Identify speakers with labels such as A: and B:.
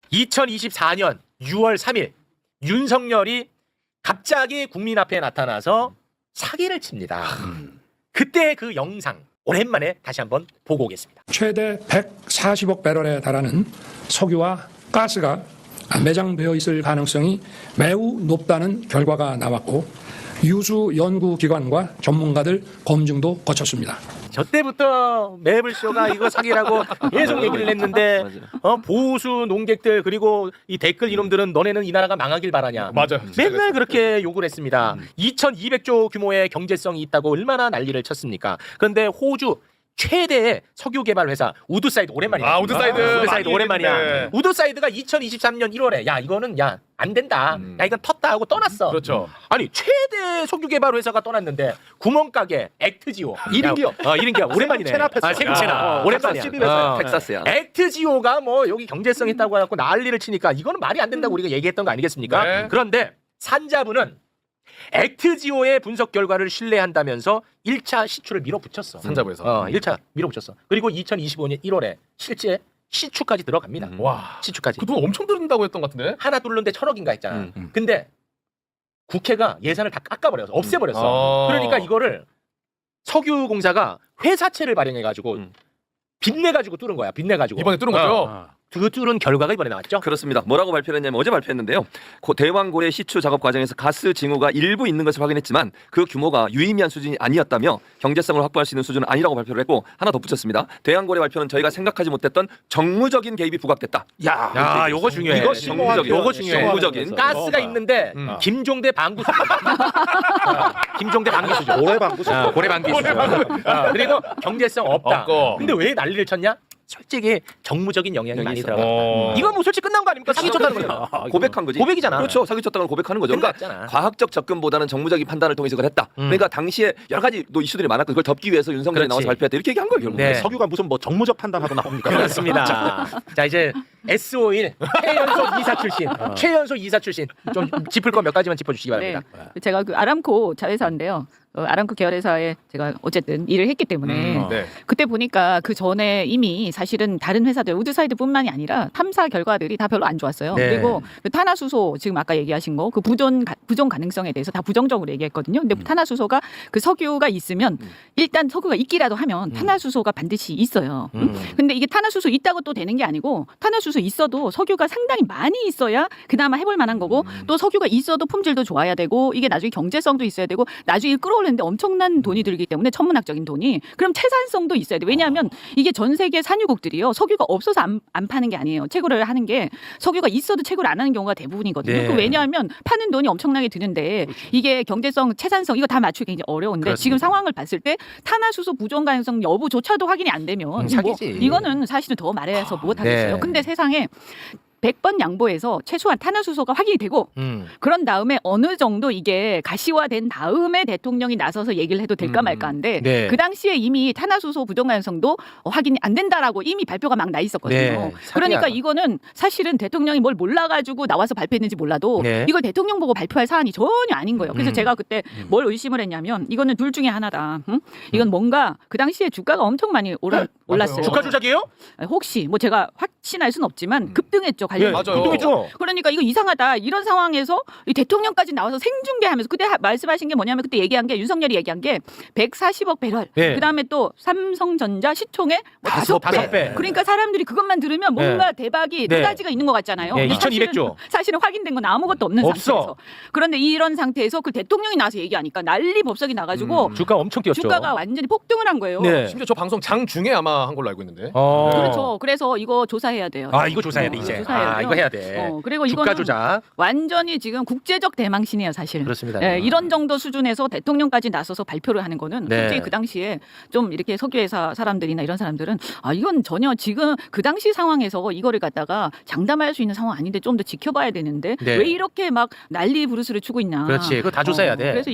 A: 2024년 6월 3일 윤석열이 갑자기 국민 앞에 나타나서 사기를 칩니다. 그때 그 영상 오랜만에 다시 한번 보고 오겠습니다.
B: 최대 140억 배럴에 달하는 석유와 가스가 매장되어 있을 가능성이 매우 높다는 결과가 나왔고 유수 연구기관과 전문가들 검증도 거쳤습니다.
A: 저 때부터 매블쇼가 이거 사기라고 계속 얘기를 했는데 보수 농객들 그리고 이 댓글 이놈들은 너네는 이 나라가 망하길 바라냐.
C: 맞아요.
A: 맨날 그렇게 욕을 했습니다. 2200조 규모의 경제성이 있다고 얼마나 난리를 쳤습니까. 그런데 호주 최대의 석유 개발 회사 우드사이드 오랜만이야. 우드사이드 오랜만이야.
C: 네.
A: 우드사이드가 2023년 1월에 야 이거는 야 안 된다. 야 이건 텄다 하고 떠났어.
C: 그렇죠.
A: 아니 최대 석유 개발 회사가 떠났는데 구멍가게 액트지오
C: 1인 기업.
A: 1인 기업 오랜만이네. 세금 체납 오랜만이야.
D: 텍사스야.
A: 액트지오가 뭐 여기 경제성 있다고 해갖고 난리를 치니까 이거는 말이 안 된다고 우리가 얘기했던 거 아니겠습니까?
C: 네.
A: 그런데 산자부는 액트지오의 분석 결과를 신뢰한다면서 1차 시추를 밀어붙였어.
C: 산자부에서.
A: 1차 밀어붙였어. 그리고 2025년 1월에 실제 시추까지 들어갑니다.
C: 와.
A: 시추까지.
C: 그 돈 엄청 들은다고 했던 것 같은데.
A: 하나 뚫는데 1,000억인가 했잖아. 근데 국회가 예산을 다 깎아버려서 없애버렸어. 그러니까 이거를 석유공사가 회사채를 발행해가지고 빚내가지고 뚫은 거야. 빚내가지고.
C: 이번에 뚫은 거죠?
A: 그 뚫은 결과가 이번에 나왔죠.
D: 그렇습니다. 뭐라고 발표했냐면 어제 발표했는데요. 대왕고래 시추 작업 과정에서 가스 징후가 일부 있는 것을 확인했지만 그 규모가 유의미한 수준이 아니었다며 경제성을 확보할 수 있는 수준은 아니라고 발표를 했고 하나 덧붙였습니다. 대왕고래 발표는 저희가 생각하지 못했던 정무적인 개입이 부각됐다.
A: 야, 요거 중요해.
D: 이거 정무적인.
A: 요거 중요해.
D: 정무적인.
A: 가스가 있는데 김종대 방구 수준. 김종대 방구 수준.
E: 고래 방구 수준.
A: 고래 방구 수준. 그리고 경제성 없다.
C: 없고.
A: 근데 왜 난리를 쳤냐? 솔직히 정무적인 영향이 많이 들어갔다.
C: 어.
A: 이건 뭐 솔직히 끝난 거 아닙니까? 사기 쳤다는 거야.
D: 고백한 거지.
A: 고백이잖아.
D: 그렇죠. 사기쳤다는 걸 고백하는 거죠. 그러니까
A: 끝났잖아.
D: 과학적 접근보다는 정무적인 판단을 통해서 그걸 했다. 그러니까 당시에 여러 가지 또 이슈들이 많았고 그걸 덮기 위해서 윤석열이
A: 그렇지.
D: 나와서 발표했다. 이렇게 얘기한 거예요. 결국.
A: 네.
E: 석유가 무슨 뭐 정무적 판단하고 나옵니까?
A: 그렇습니다. 자 이제 S51 최연소 이사 출신, 최연소 이사 출신 좀 짚을 거 몇 가지만 짚어주시기 바랍니다.
F: 네. 제가 그 아람코 자회사인데요. 아람코 계열회사에 제가 어쨌든 일을 했기 때문에
C: 네.
F: 그때 보니까 그 전에 이미 사실은 다른 회사들 우드사이드뿐만이 아니라 탐사 결과들이 다 별로 안 좋았어요.
A: 네.
F: 그리고 그 탄화수소 지금 아까 얘기하신 거 그 부정 가능성에 대해서 다 부정적으로 얘기했거든요. 근데 탄화수소가 그 석유가 있으면 일단 석유가 있기라도 하면 탄화수소가 반드시 있어요. 근데 이게 탄화수소 있다고 또 되는 게 아니고 탄화수소 있어도 석유가 상당히 많이 있어야 그나마 해볼 만한 거고 또 석유가 있어도 품질도 좋아야 되고 이게 나중에 경제성도 있어야 되고 나중에 끌어올리는데 엄청난 돈이 들기 때문에 천문학적인 돈이 그럼 채산성도 있어야 돼. 왜냐하면 이게 전 세계 산유국들이요 석유가 없어서 안 파는 게 아니에요. 채굴을 하는 게 석유가 있어도 채굴을 안 하는 경우가 대부분이거든요.
A: 네.
F: 그 왜냐하면 파는 돈이 엄청나게 드는데 이게 경제성, 채산성 이거 다 맞추기 굉장히 어려운데
A: 그렇습니다.
F: 지금 상황을 봤을 때 탄화수소 부정 가능성 여부조차도 확인이 안 되면
A: 사기지.
F: 이거는 사실은 더 말해서 못 하겠어요.
A: 네.
F: 근데 세상에 100번 양보해서 최소한 탄화수소가 확인이 되고
A: 음.
F: 그런 다음에 어느 정도 이게 가시화된 다음에 대통령이 나서서 얘기를 해도 될까 말까한데
A: 네.
F: 그 당시에 이미 탄화수소 부정 가능성도 확인이 안 된다라고 이미 발표가 막 나 있었거든요.
A: 네, 사기야.
F: 그러니까 이거는 사실은 대통령이 뭘 몰라가지고 나와서 발표했는지 몰라도
A: 네.
F: 이걸 대통령 보고 발표할 사안이 전혀 아닌 거예요. 그래서 제가 그때 뭘 의심을 했냐면 이거는 둘 중에 하나다. 응? 이건 뭔가 그 당시에 주가가 엄청 많이 올랐어요.
A: 주가 조작이에요?
F: 혹시 뭐 제가 확신할 수는 없지만 급등했죠. 관련.
C: 맞아요.
A: 그동했죠.
F: 그러니까 이거 이상하다. 이런 상황에서 이 대통령까지 나와서 생중계하면서 그때 말씀하신 게 뭐냐면 그때 얘기한 게 윤석열이 얘기한 게 140억 배럴.
A: 네.
F: 그다음에 또 삼성전자 시총의 뭐 5배. 그러니까 사람들이 그것만 들으면 뭔가 대박이
A: 네.
F: 노다지가 있는 것 같잖아요.
A: 네,
F: 근데
A: 2200조.
F: 사실은 확인된 건 아무것도 없는
A: 없어.
F: 상태에서. 그런데 이런 상태에서 그 대통령이 나와서 얘기하니까 난리 법석이 나가지고
A: 주가 엄청 뛰었죠.
F: 주가가 완전히 폭등을 한 거예요.
A: 네.
C: 심지어 저 방송 장 중에 아마 한 걸로 알고 있는데.
F: 그렇죠. 그래서 이거 조사해야 돼요.
A: 아 이거 조사해야 돼 이제.
F: 조사해야 돼요.
A: 이거 해야 돼.
F: 그리고
A: 주가
F: 이거는
A: 조작.
F: 완전히 지금 국제적 대망신이에요, 사실.
A: 그렇습니다.
F: 예, 이런 정도 수준에서 대통령까지 나서서 발표를 하는 거는
A: 네.
F: 솔직히 그 당시에 좀 이렇게 석유회사 사람들이나 이런 사람들은 아 이건 전혀 지금 그 당시 상황에서 이거를 갖다가 장담할 수 있는 상황 아닌데 좀 더 지켜봐야 되는데
A: 네.
F: 왜 이렇게 막 난리 부르스를 추고 있냐.
A: 그렇지. 그거 다 조사해야 돼.
F: 그래서